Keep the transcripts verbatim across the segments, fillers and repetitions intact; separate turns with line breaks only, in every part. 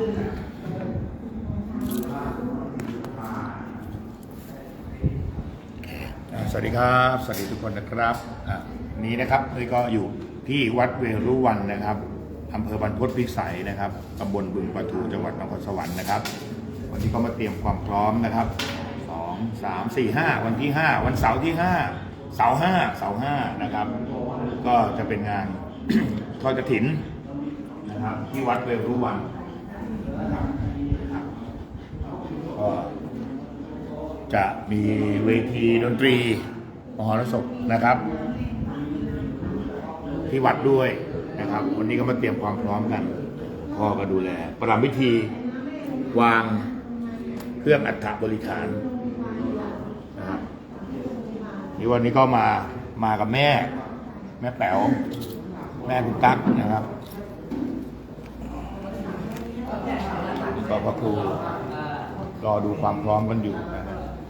สวัสดีครับสวัสดีทุกคนนะครับนี้นะครับนี่ก็อยู่ที่วัดเวรุวันนะครับอำเภอบรรพตพิสัยนะครับตำบลบึงปะทูจังหวัดนครสวรรค์นะครับวันนี้ก็มาเตรียมความพร้อมนะครับสองสามสี่ห้าวันที่ห้าวันเสาร์ที่ห้าเสาร์ห้าเสาร์ห้านะครับก็จะเป็นงาน ทอดกฐินนะครับที่วัดเวรุวันนะครับก็จะมีเวทีดนตรีมหรสพนะครับที่วัดด้วยนะครับวันนี้ก็มาเตรียมความพร้อมกันพ่อก็ดูแลประรำพิธีวางเครื่องอัฐบริขารนะครับนี่วันนี้ก็มามากับแม่แม่แป๋วแม่คุณตั๊กนะครับก็พระครูรอดูความพร้อมกันอยู่นะครับ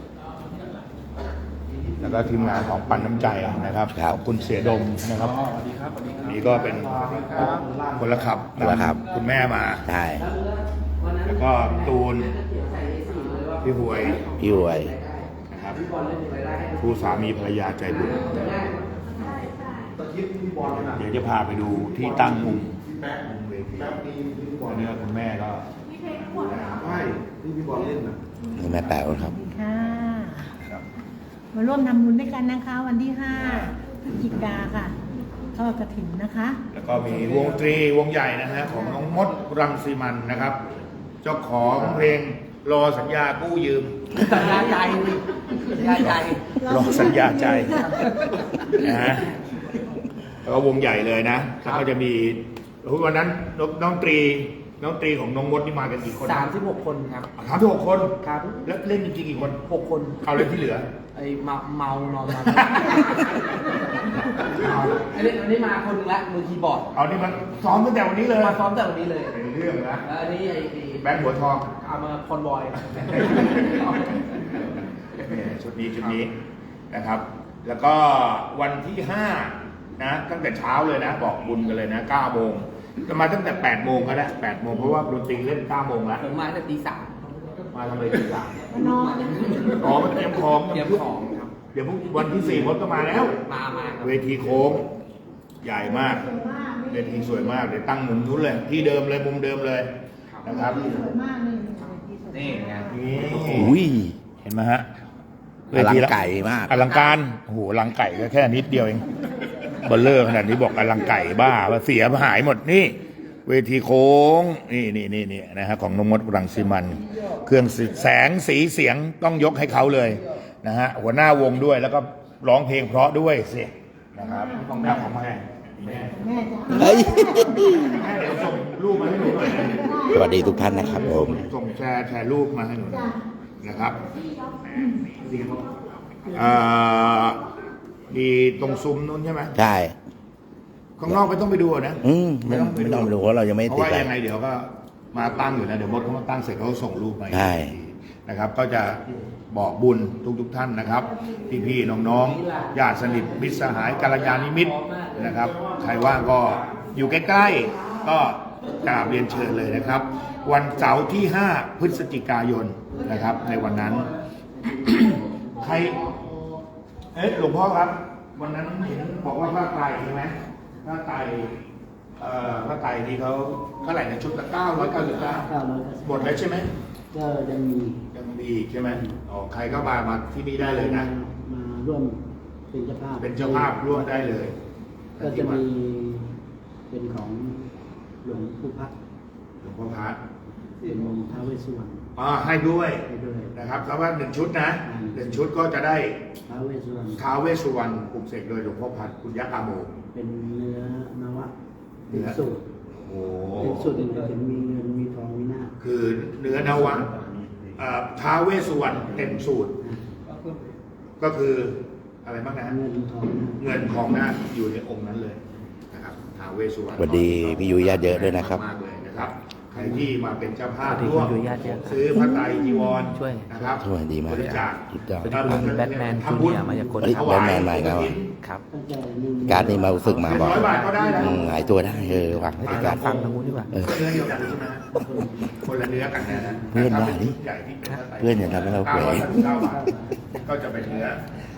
แล้วก็ทีมงานของปันน้ำใจนะครับขอบคุณเสียดมนะครับนี่ก็เป็นคนละขับนะครับคุณแม่มา
ใช่
แล้วก็ตูนพี่หวย
พี่หวย
นะครับผู้สามีภรรยาใจบุญเดี๋ยวจะพาไปดูที่ตั้งมุมมุมเวทีอันนี้คุณแม่ก็ใช่ที่พี่บอลเล่นนะ
นี่แม่แป๋วครับ
ค่ะมาร่วมทำบุญด้วยกันนะคะวันที่ห้าพฤศจิกาค่ะทอดกฐินนะคะ
แล้วก็มีวงดนตรีวงใหญ่นะฮะของน้องมดรังสีมันนะครับเจ้าของเพลงรอสัญญากู้ยืม
สัญญาใจสัญญาใจ
รอสัญญาใจนะฮะแล้วก็วงใหญ่เลยนะแล้วก็จะมีวันนั้นน้องตรีน้องตรีของน้องมดนี่มากันกี่คน
สามสิบหกคนครับ
สามสิบหกคน
ครับ
แล้วเล่นจริงๆกี่คน
หกคน
เอาเล่นที่เหลือ
ไอ้เมาเมานอนมาอันนี้อันนี้มาคนนึงละมือคีย์บอร์ด
เอานี่มันซ้อมตั้งแต่วันนี้เลย
มาซ้อมแต่วันนี้เลย
เป็นเรื่องนะ
อันนี้ไอ้
แบงค์หัวทอง
เอามาคอนบอย
ชุดนี้ชุดนี้นะครับแล้วก็วันที่ห้านะตั้งแต่เช้าเลยนะบอกบุญกันเลยนะเก้าโมงจะมาตั้งแต่แปดโมงก็ได้แปดโมงเพราะว่าดนตรีเล่นเก้าโมงแล้ว
ผมมาตั้งแต่ตีสาม
มาทำอะไรตีสาม
นอน
อ๋อมาเตรียมของ
เตรียมของครับ
เดี๋ยววันที่สี่มดก็มาแล้ว
มามา
เวทีโค้งใหญ่มากเวทีสวยมากเดี๋ยวตั้งมุมนู้นเลยที่เดิมเลยมุมเดิมเลยนะครับ
นี่ไง
นี่
อุ้ย
เห็นไหมฮะ
อลังไก่มาก
อลังการโอ้โหอลังไก่ก็แค่นิดเดียวเองเบลเลอร์ขนาดนี้บอกอลังไก่บ้าว่าเสียหายหมดนี่เวทีโค้งนี่นี่นี่นี่นะฮะของนงมดรังสีมันเครื่องแสงสีเสียงต้องยกให้เขาเลยนะฮะหัวหน้าวงด้วยแล้วก็ร้องเพลงเพราะด้วยสินะครับของแม่ของแม่แม่
แม่จ้
ะเฮ้ย
แม่เดี๋ยวส่งรูปมาให้หนูหน่อย
สวัสดีทุกท่านนะครับผม
ส่งแชร์แชร์รูปมาให้หนูนะครับอ่ามีตรงซุ้มนู้นใช่ไหม
ใช่
ข้างนอกไม่ต้องไปดูนะ
อืมไม่ต้องไม่ต้องไปดูเพราะเรายังไม่ติด
เพราะว่ายังไงเดี๋ยวก็มาตั้งอยู่นะเดี๋ยวมดเขามาตั้งเสร็จเขาส่งรูปมา
ใช่
นะครับก็จะบอกบุญทุกทุกท่านนะครับพี่พี่น้องๆญาติสนิทมิตรสหายกัลยาณมิตรนะครับใครว่างก็อยู่ใกล้ๆก็กราบเรียนเชิญเลยนะครับวันเสาร์ที่ห้าพฤศจิกายนนะครับในวันนั้น ใครเอ๊ะหลวงพ่อครับวันนั้นเห็นบอกว่าผ้าไตรใช่ไหมผ้าไตรเอ่อผ้าไตรที่เขาเท่าไหร่ในชุดละเก้าร้อยเก้าสิบเก้าหมดแล้วใช่ไหม
ก็ยังมี
ยังมีใช่ไหมอ๋อใครก็มามาที่นี่ได้เลยนะ
มาร่วมเป็นเจ้าภาพ
เป็นเจ้าภาพร่วมได้เลย
ก็จะมีเป็นของหลวงปู่พัด
หลวงพ่อพัด
เป็นท้าวเวสสุวรรณ
อ๋อให้ด้วยนะครับเพราะว่าหนึ่งชุดนะหนึ่งชุดก็จะได้
ท้าวเวสสุวรรณ
ท้าวเวสสุวรรณปลุกเสกโดยหลวงพ่อพัดคุณยักษ์อาโม
เป็นเนื้อนวะเป็นสูตร
โอ้
เป็นสูตรหนึ่งเป็นมีเงินมีทองมีหน้า
คือเนื้อนวะท้าวเวสสุวรรณเต็มสูตรก็คืออะไรบ้างนะ
เงินทอง
เงินทองหน้าอยู่ในองค์นั้นเลยนะครับท้าวเวสสุวรรณ
สวัสดีพี่ยุ้ยญาติเยอะด้วยนะครับ
มากเลยนะครับใครที่มาเป็นเจ้าภาพ
สวัสดี
ร่วม
คุณยุ้ยญาติเยอะ
ซื้อพระไตรจีวร
ช่วย
นะครับ
ช่วยดีมาก
บริจาค
สุดยอด
สวัสดีคุณแบทแมนจูเนียร์มาจากคน
เฮ้ย
ครับ
แบทแมนมาอีกแล้วอ่ะ
ครับ
ตั้งแต่หนึ่ง
การดนี่มาฝึกมาบอก
ร้อยบาทก็ได้นะ
อืมหายตัวได้เออวางให้เป็นการ
ฟังทางนู้นดีกว่า
เออ
เนื้อเดียวกันใช่ไหมคนละเนื้อกันนะนะ
เพื่อนว่าดิ
ใหญ่ที่เป็นพระไตร
เพื่อนอย่าทำให้เราเขว
ก้ร้อยสามสิบเก้าบาทก็จะเป็นเนื้อน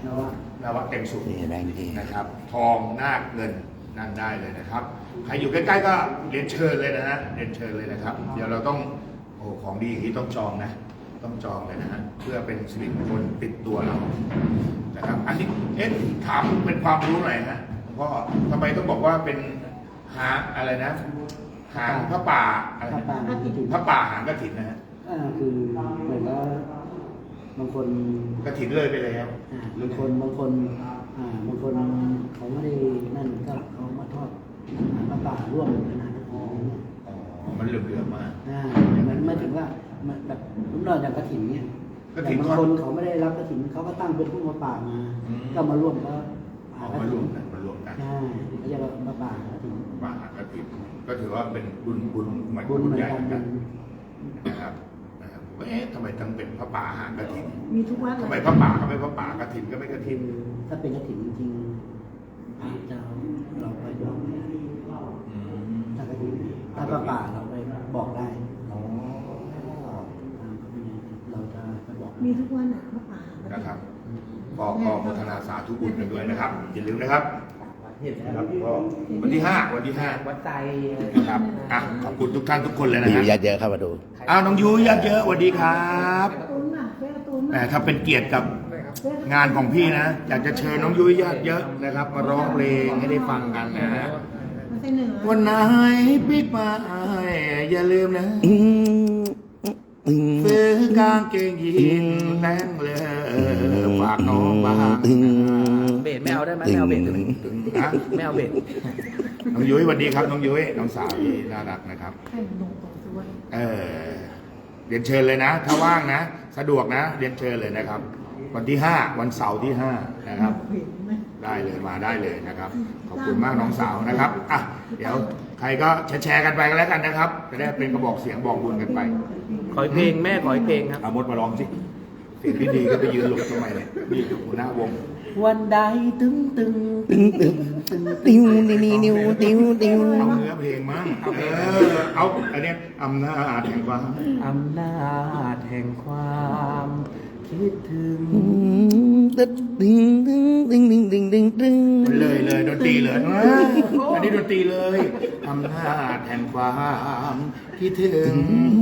วะ
นวะเต็มสูง
นี่แบงค์ที่
นะครับ ทองนาคเงินนั่นได้เลยนะครับ ใครอยู่ใกล้ๆก็เรียนเชิญเลยนะฮะเรียนเชิญเลยนะครับ เดี๋ยวเราต้องโอ้ของดีอย่างนี้ต้องจองนะ ต้องจองเลยนะฮะเพื่อเป็นสิริมงคลติดตัวเรานะครับ อันนี้เอ๊ะถามเป็นความรู้หน่อยนะหลวงพ่อทำไมต้องบอกว่าเป็นหางอะไรนะ หางพระป่าอะไร
พระ
นะ
ป่าที่ถึง
พระป่าหางกฐินนะฮะ
อ่าคือเหมือนว่าบางคน
กฐินเลยไปแล้ว
อ่าบางคนบางคนอ่าบางคนเขาไม่ได้นั่นก็เขามาทอดอ่าพระป่าร่วมกันนะอ๋อ
อ๋อ มันเหลื่อมๆมาก
อ่ามันไม่ถึงว่ามันแบบรุ่นเราอย่างกระถิ่นเนี่ย
กฐิน
แต่บางคนเขาไม่ได้รับกระถิ่นเขาก็ตั้งเป็นผู้มาป่ามา
อืม
ก็มาร่วมก็
ออกมารวมกันมารวมกัน
ใช่เขาจะมาป่ากระถิ่น
ป่าหางกฐินก็ถือว่าเป็นบุญบุญหมาย
บุญ
บุญ
เหมือน
ใหญ่
กัน
เหมือนกันนะครับนะครับเอ๊ะทำไมต้องเป็นพระป่าหางกฐิน
มีทุกวัด
ทำไม
เลย
พระป่าก็ไม่พระป่ากฐินก็ไม่กฐิน
ถ้าเป็นกระถิ่นจริงๆอาจจะเราไปบอกไม่ได้
อืม
ถ้ากระถิ่นถ้าป่าป่าเราไปบอกได้
อ๋อ
ตามพระวินัยเราจะไปบอก
มีทุกวันอ่ะพระป่า
นะครับก็ก็โมทนาสาธุบุญกันด้วยนะครับอย่าลืมนะครับนะครับก็วันที่ห้าวันที่ห้า
วัดใจ
นะครับอ่ะขอบคุณทุกท่านทุกคนเลยนะ
มีอยู่
ฮะ
ญาติเยอะเข้ามาดู
อ้าวน้องยุ้ยญาติเยอะสวัสดีครับ
ตุ้นอ่ะเจ้าตุ้น
แหมถ้าเป็นเกียรติกับงานของพี่นะ อยากจะเชิญน้องยุ้ยญาติเยอะนะครับ มาร้องเพลงให้ได้ฟังกันนะฮะ
มาใส่เหนือ
วันไหนปิดมาอย่าลืมนะ
อืมอืม
ซื้อกางเกงยีนแดงเลยฝากน้องบ้าง
อืม
เบสไม่เอาได้ไหมไม่เอาเบสได้ไหม
นะ
ไม่เอาเบส
น้องยุ้ยสวัสดีครับน้องยุ้ยน้องสาวที่น่ารักนะครับ
ให้มันลงตรงสวย
เออเรียนเชิญเลยนะ ถ้าว่างนะ สะดวกนะ เรียนเชิญเลยนะครับ วันที่ห้าวันเสาร์ที่ห้านะครับ
เห็นไหม
ได้เลยมาได้เลยนะครับ ขอบคุณมากน้องสาวนะครับอ่ะเดี๋ยวใครก็แชร์ๆกันไปกันแล้วกันนะครับ จะได้เป็นกระบอกเสียงบอกบุญกันไป
ขออีกเพลงแม่ขออีกเพลงครับ
เอามดมาร้องสิเสียงดีๆก็ไปยืนหลบทำไมเนี่ยนี่หัวหน้าวง
วันใดตึงตึง
ตึ้งตึ้งติ้วนิ้วนิ้วติ้วติ้ว
เอาเนื้อเพลงมั้งเออเอาอันเนี้ยอำนาจแห่งความ
อำนาจแห่งความคิดถึง
อืมตึ้งตึ้งตึ้งตึ้งตึ้งตึ้งตึ้งตึ้ง
เลยเลยดนตรีเลยอ่ะอันนี้ดนตรีเลยอำนาจแห่งความคิดถึง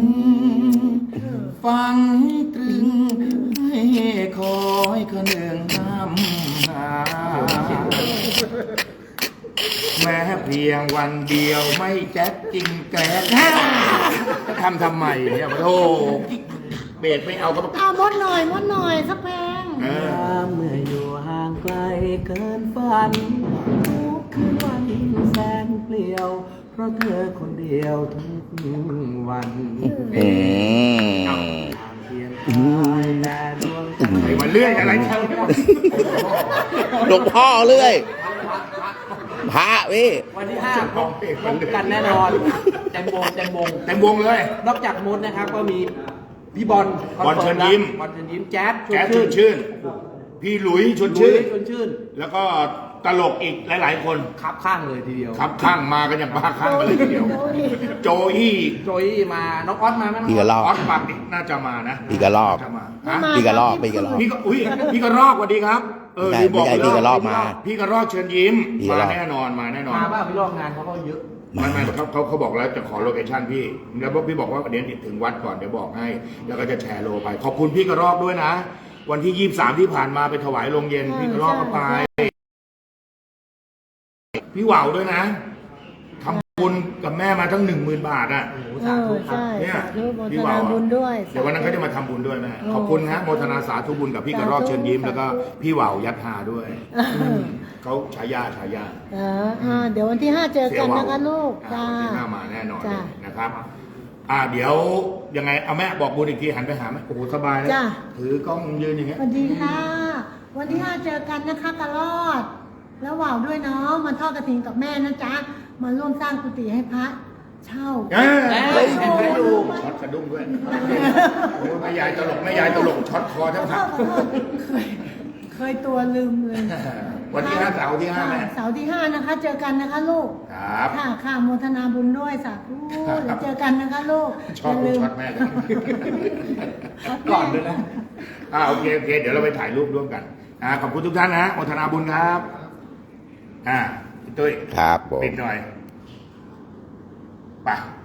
ฟังตรึงให้คอยคนหนึ่งนำหาแม้เพียงวันเดียวไม่แจ๊กจริงแกล้งจะทำทำไมเนี่ยโอ้เบสไม่เอาก็ต้อง
เอามดหน่อยมดหน่อยสักเพลง
เออ
เมื่ออยู่ห่างไกลเกินฝันทุกคืนวันแสนเปลี่ยว เพราะเธอคนเดียวทุกวัน
อืม
เพียงกายแต่ดวงใจ
ไอ้มาเลื่อยอะไรเช่า
หลวงพ่อเรื่อยพระพี่
วันที่ห้าพบพบกันแน่นอนแตงโมแตงโม
เต็มวงเลย
นอกจากมดนะครับก็มีพี่บอล
บอลเชิญยิ้ม
บอลเชิญยิ้มแจ๊ด
แจ๊สชวนชื่น พี่หลุยชวน
ชื่
ชื่
น
น
ชวนชื่น
แล้วก็ตลกอีกหลาย ๆ คน
ครับข้างเลยทีเดียว
ครับข้างมากันอย่างบ้าข้างกันเลยทีเดียว โจอี้
โจยมาน้องออสมาไหมน้อง
พี่กระลอก
ออสปักนี่น่าจะมานะ
พี่กระรอก
น่าจะมา
ไม่
ฮะ
มา
พี่กระลอกพี่กระลอก
พี่ก็อุ้ยพี่กระรอกสวัสดีครับเออ
ไม่ใช่
ลืมบอก
ไม่ใช่พี่กระรอกมา
พี่กระรอกเชิญยิ้ม
พี่ก
มา
ระรอก
แน่นอนมาแน่นอน
มาบ้าพี่ลอกงานเขาก็เยอะ
ไม่ไม่เขาเขาเขาบอกแล้วจะขอโลเคชั่นพี่ แล้วพี่บอกว่าเดี๋ยวถึงวัดก่อนเดี๋ยวบอกให้ แล้วก็จะแชร์โลไป ขอบคุณพี่กระรอกด้วยนะ วันที่ยี่สิบสามที่ผ่านมาไปถวายโรงเย็นพี่กระรอกก็ไป พี่หว่าวด้วยนะทำบุญกับแม่มาทั้งหนึ่งหมื่นบาทอ่ะ
โอ้โห
เอ
สา
อ
ธุครับ
ใช่
เนี่ย
สาธุโม
พี่
ท
ว่าว
นา
อะ
บุญด้วย
เดี๋ยววันนั้นเขาจะมาทำบุญด้วยแม่
โอ้
ขอบคุณฮะโมทนาสาธุบุญกับพี่กระรอกเชิญยิ้มแล้วก็พี่หว่าวยัดหาด้วย
เออ
เขาฉายาฉายา
เอออ่าเดี๋ยววันที่ห้าเจอกันนะคะลูก
อ่า
จ้า
วันที่ห้ามาแน่นอน
จ้า
นะครับ อ่าเดี๋ยวยังไงเอาแม่บอกบุญอีกทีหันไปหาแม่โอ้โหสบายเลย
จ้า
ถือกล้องยืนอย่างเงี้
ส
ย
วัสดีค่ะ วันที่ห้าเจอกันนะคะกระรอด แล้วว่าวด้วยเนาะมาทอดกระถิ่นกับแม่นะจ๊ะ มาร่วมสร้างกุฏิให้พระเช่า
เอ้ย
เฮ้ย
ช็อตสะดุ้งด้วยโอ้ยแม่ยายตลกแม่ยายตลกช็อตคอแทบ
ขอ
หัก
โทษขอโทษเคยเคยตัวลืมเลย
วันที่ห้าเสาร์ที่ห้าแม่
เสาร์ที่ห้านะคะ เจอกันนะคะลูก
ครับ
ค่ะค่ะโมทนาบุญด้วยสาธุ
ครับ
เดี๋ยวเจอกันนะคะลูก
ชอบ
ย่า
ดู
ลืม
ช็อตแม่เลย
ก่อนด้วยนะ
อ่าโอเคโอเค เดี๋ยวเราไปถ่ายรูปร่วมกันอ่าขอบคุณทุกท่านนะโมทนาบุญครับอ่าพี่ตุ้ย
ครับผม
ปิดหน่อยไป